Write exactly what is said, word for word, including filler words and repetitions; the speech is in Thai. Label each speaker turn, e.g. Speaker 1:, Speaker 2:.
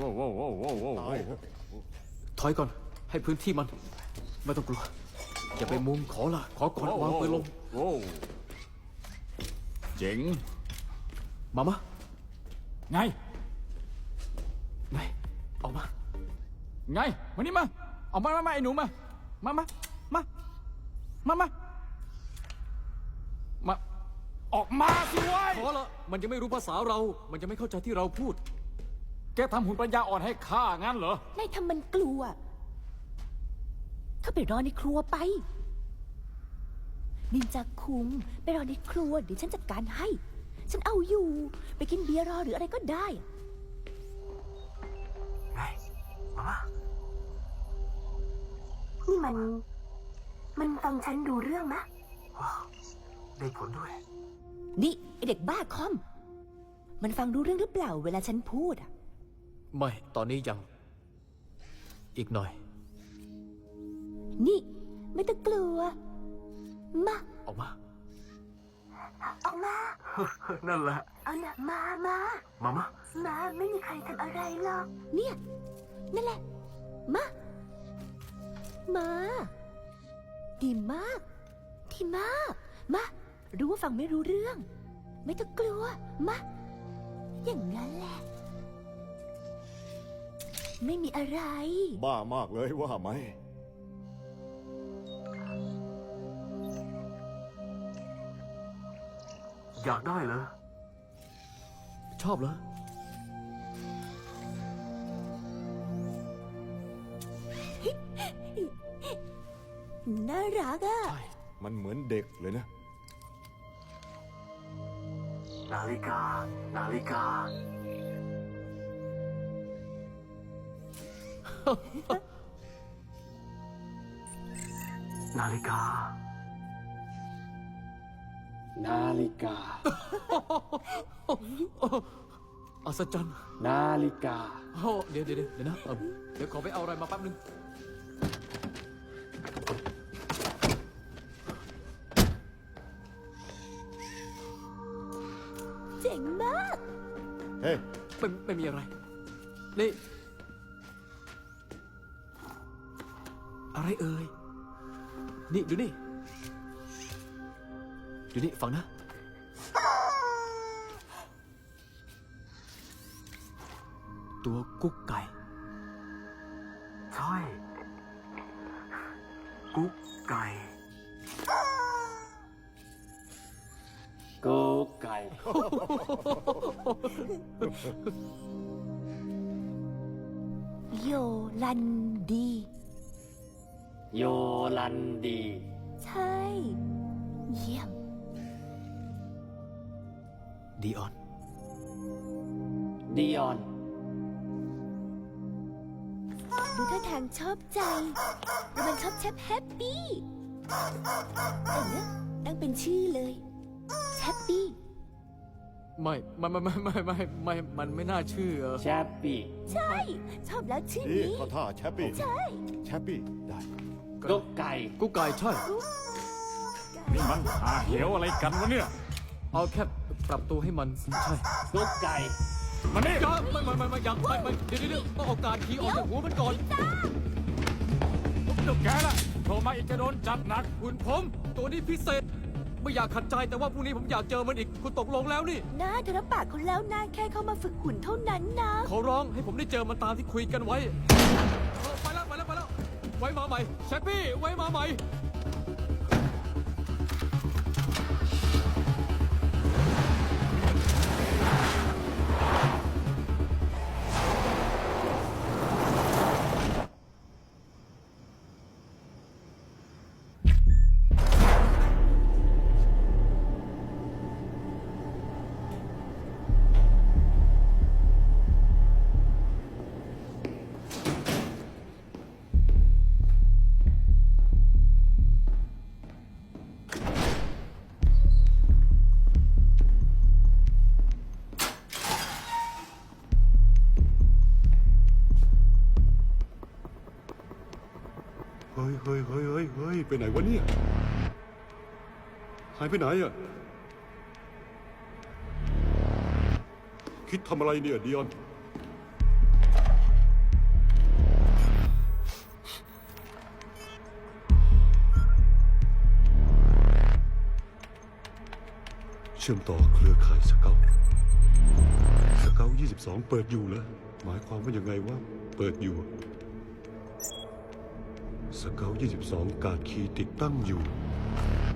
Speaker 1: ว้าวว้าวว้าวว้าวว้าว
Speaker 2: ถอยก่อนให้พื้นที่มันไม่ต้องกลัวอย่าไปมุมขอละขอก่อนวางปืนลง
Speaker 1: เจ๋ง
Speaker 2: มามะ
Speaker 1: ไง
Speaker 2: ไงออกมา
Speaker 1: ไงมานี่มาออกมามาไอ้หนูมามามามามามามาออกมาสิวะ
Speaker 2: ขอละมันยังไม่รู้ภาษาเรามันจะไม่เข้าใจที่เราพูด
Speaker 1: แกทำหุ่นปัญญาอ่อนให้ข้างั้นเหรอ
Speaker 3: นายทำมันกลัวเข้าไปรอในครัวไปนินจาคุงไปรอในครัวเดี๋ยวฉันจัดการให้ฉันเอาอยู่ไปกินเบียร์รอหรืออะไรก็ได้
Speaker 2: ไงมามา
Speaker 3: นี่มันมันฟังฉันดูเรื่องมะ
Speaker 2: ว้าวได้ผลด้วย
Speaker 3: นี่ไอเด็กบ้าคอมมันฟังรู้เรื่องหรือเปล่าเวลาฉันพูดอ่ะ
Speaker 2: ไม่ตอนนี้ยังอีกหน่อย
Speaker 3: นี่ไม่ต้องกลัวมา
Speaker 2: ออกมา
Speaker 3: ออกมา
Speaker 2: นั่นแหละ
Speaker 3: เอาหนักมามา
Speaker 2: มามา
Speaker 3: มาไม่มีใครทำอะไรหรอกเนี่ยนั่นแหละมามาดีมากดีมากมารู้ว่าฟังไม่รู้เรื่องไม่ต้องกลัวมาอย่างนั้นแหละไม่มีอะไร
Speaker 4: บ้ามากเลยว่าไหม
Speaker 2: อยากได้เหรอชอบเหรอ
Speaker 3: น่ารักอ่ะ
Speaker 4: มันเหมือนเด็กเลยนะ
Speaker 2: นาฬิกานาฬิกานาฬิกา
Speaker 1: นาฬิกา
Speaker 2: อัศจรรย์
Speaker 1: นาฬิกา
Speaker 2: โอ้เดี๋ยวเดี๋ยวเดี๋ยวนะเดี๋ยวขอไปเอาอะไรมาแป๊บนึง
Speaker 3: เจ๋งมาก
Speaker 4: เฮ้
Speaker 2: ไม่ไม่มีอะไรนี่อะไรเอ่ยนี่ดูนี่ดูนี่ฟังนะตัวกุ๊กไก่ใช่กุ๊กไก่
Speaker 1: กุ๊กไก่
Speaker 3: โยลันดี
Speaker 1: โยลันดี
Speaker 3: ใช่เยี่ยม
Speaker 2: ดีออน
Speaker 1: ดีออน
Speaker 3: ดูท่าทางชอบใจแล้วมันชอบแชปแฮปปี้เออนะตั้งเป็นชื่อเลยแฮปปี้
Speaker 2: ไม่ไม่ไม่ไม่ไม่ไม่ไม่มันไม่น่าชื่อ
Speaker 1: แชปปี้
Speaker 3: ใช่ชอบแล้วชื่อนี้
Speaker 4: เขาท่าแชปปี้
Speaker 3: ใช่
Speaker 4: แชปปี้ได้
Speaker 1: กุ๊กไก่
Speaker 2: กุ๊กไก่ใช่
Speaker 1: นี่มันหาเหวอะไรกันวะเนี่ย
Speaker 2: เอาแค่ปรับตัวให้มันใช่
Speaker 1: กุ๊กไก่
Speaker 2: มานี่ไม่ไม่ไม่ไม่ยังไม่ไม่เดี๋ยวเดี๋ยวต้องเอาการขี่ออกจากหัวมันก่อน
Speaker 1: เดี๋ยวแกล่ะโทรมาอีกจะโดนจัดหนัก
Speaker 2: คุณผมตัวนี้พิเศษไม่อยากขัดใจแต่ว่าพรุ่งนี้ผมอยากเจอมันอีกคุณตกลงแล้วนี่
Speaker 3: น่าเธอรับปากคนแล้วนะแค่เข้ามาฝึกหุ่นเท่านั้นนะ
Speaker 2: ขอร้องให้ผมได้เจอมันตามที่คุยกันไว้ไปแล้วไปแล้วไปแล้วไว้มาใหม่แชปปี้ไว้มาใหม่
Speaker 4: เฮ้ยเฮ้ยเฮ้ยเฮ้ยเฮ้ยไปไหนวะเนี่ยหายไปไหนอ่ะคิดทำอะไรเนี่ยดิออนเชื่อมต่อเครือข่ายสเกลสเกลยี่สิบสองเปิดอยู่แล้วหมายความว่ายังไงว่าเปิดอยู่สเกลยี่สิบสองการดคีย์ติดตั้งอยู่